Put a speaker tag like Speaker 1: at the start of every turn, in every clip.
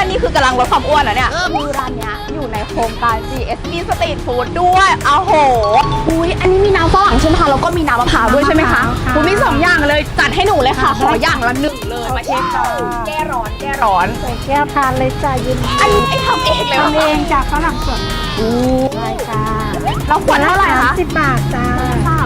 Speaker 1: นี่คือกำลังลดความอ้วนแล้วเนี่ยคือร้านเนี้ยอยู่ในโครงการ GSB Street Food ด้วยอ้าวโหอุ้ยอันนี้มีน้ำฝรั่งใช่ไหมคะแล้วก็มีน้ำมะพร้าวด้วยใช่ไหมคะคุณมี2อย่างเลยจัดให้หนูเลยค่ะขออย่างละ1เลยมาเช็คแก้ร้อนใส่
Speaker 2: แก้วทานเลยจ้ะยืน
Speaker 1: อันนี้ทำเองเลย
Speaker 2: ทำเองจากฝรั่งสดใช่ค่ะ
Speaker 1: แล้วขวดเท่าไหร่คะ
Speaker 2: 10 บาทจ้า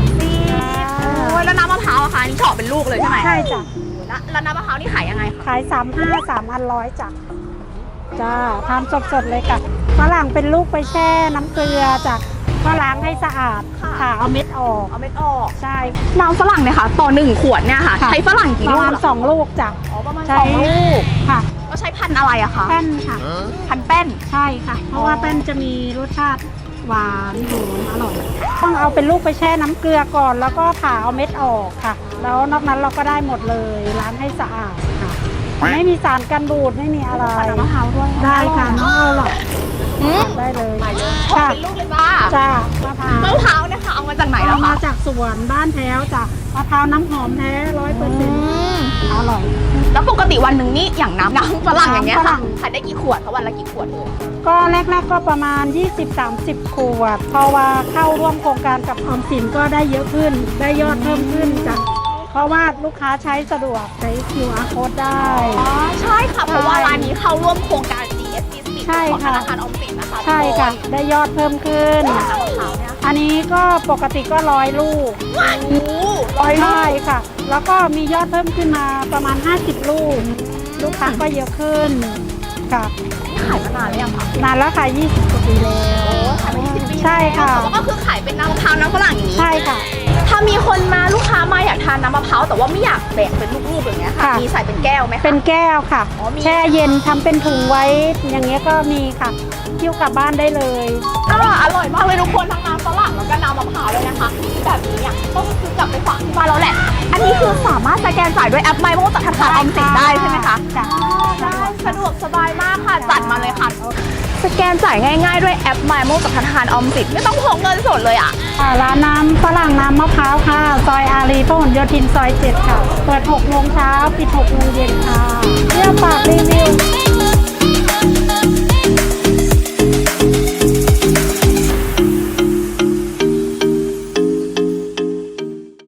Speaker 1: 30โอ้ยแล้วน้ำมะพร้าวอะคะนี่เฉาะเป็นลูกเลยใช่ไหม
Speaker 2: ใช่จ้ะ
Speaker 1: แล้วน้ำมะพร้าวนี่ขายยังไง
Speaker 2: ขาย35 3,100จ้าทำสดๆเลยค่ะฝรั่งเป็นลูกไปแช่น้ำเกลือจ้ะก็ล้างให้สะอาดค่ะเอาเม็ดออกใช่
Speaker 1: น้ำฝรั่งเนี่ยค่ะต่อ1 ขวดเนี่ยค่ะใช้ฝรั่งกี่ลูก
Speaker 2: ประมาณ2 ลูกจ้ะ
Speaker 1: ประมาณ2 ลูก
Speaker 2: ค่ะ
Speaker 1: ก็ใช้พันธุ์อะไรอะคะ
Speaker 2: แป้นค่ะ
Speaker 1: พันธุ์แป้น
Speaker 2: ใช่ค่ะเพราะว่าแป้นจะมีรสชาติหวานหอมอร่อยต้องเอาเป็นลูกไปแช่น้ำเกลือก่อนแล้วก็ผ่าเอาเม็ดออกค่ะแล้วนอกนั้นเราก็ได้หมดเลยล้างให้สะอาดค่ะไม่มีสารกันบูดไม่มีอะไร
Speaker 1: น้ำมะพร้าวด้วย
Speaker 2: ได้ค่ะน้องหรอกได้เลย
Speaker 1: ค่ะเป็นลูกเลย
Speaker 2: จ้ามะ
Speaker 1: พร้าวเนี่ยค่ะเอามาจากไหนแล้วคะ
Speaker 2: มาจากสวนบ้านแท้วจ้ะมะพร้าวน้ำหอมแท้100%อร่อย
Speaker 1: แล้วปกติวันหนึ่งนี่อย่างน้ำฝรั่งอย่างเงี้ยค่ะขายได้กี่ขวดคะวันละกี่ขวดเลย
Speaker 2: ก็แรกๆก็ประมาณ20-30 ขวดเพราะว่าเข้าร่วมโครงการกับออมสินก็ได้เยอะขึ้นได้ยอดเพิ่มขึ้นจ้ะเพราะว่าลูกค้าใช้สะดวกใช้ QR code ได้
Speaker 1: ใช่ค่ะเพราะว่าร้านนี้เข้าร่วมโครงการ GSB Street ของธนาคารออมสินนะคะ
Speaker 2: ใช่ค่ะได้ยอดเพิ่มขึ้นอันนี้ก็ปกติก็100 ลูกใช่ค่ะแล้วก็มียอดเพิ่มขึ้นมาประมาณ50 ลูกลูกค้าก็เยอะขึ้นค่ะ
Speaker 1: ขายมานานหรือยังคะ
Speaker 2: นานแล้วค่ะ20 กว่าปีแล้ว
Speaker 1: ขายมา20 ปี
Speaker 2: ใช่ค่ะ
Speaker 1: ก็คือขายเป็นน้ำมะพร้าวน้ำฝรั่งอย่างนี้
Speaker 2: ใช่ค่ะ
Speaker 1: ถ้ามีคนมาลูกค้ามาอยากทานน้ำมะพร้าวแต่ว่าไม่อยากแบ่งเป็นลูกๆอย่างเงี้ยค่ะมีใส่เป็นแก้วไหมคะ
Speaker 2: เป็นแก้วค่ะแช่เย็นทำเป็นถุงไว้อย่างเงี้ยก็มีค่ะเที่ยวกลับบ้านได้เลย
Speaker 1: อร่อยมากเลยทุกคนทั้งน้ำฝรั่งแล้วก็น้ำมะพร้าวเลยนะคะแบบนี้เนี่ยต้องซื้อกลับไปฝากที่บ้านเราแหละอันนี้คือสามารถสแกนจ่ายด้วยแอปไมโมจากธนาคารออมสินได้ใช่ไหมคะได้สะดวกสบายมากค่ะจัดมาเลยค่ะสแกนจ่ายง่ายๆด้วยแอปไมโมจากธนาคารออมสินไม่ต้องพกเงินสดเลยอ่ะ
Speaker 2: ร้านน้ำฝรั่งน้ำมะพร้าวค่ะซอยอารีพหลโยธินซอย7ค่ะเปิด6 โมงเช้าปิด6 โมงเย็นค่ะเที่ยวฝากรีวิว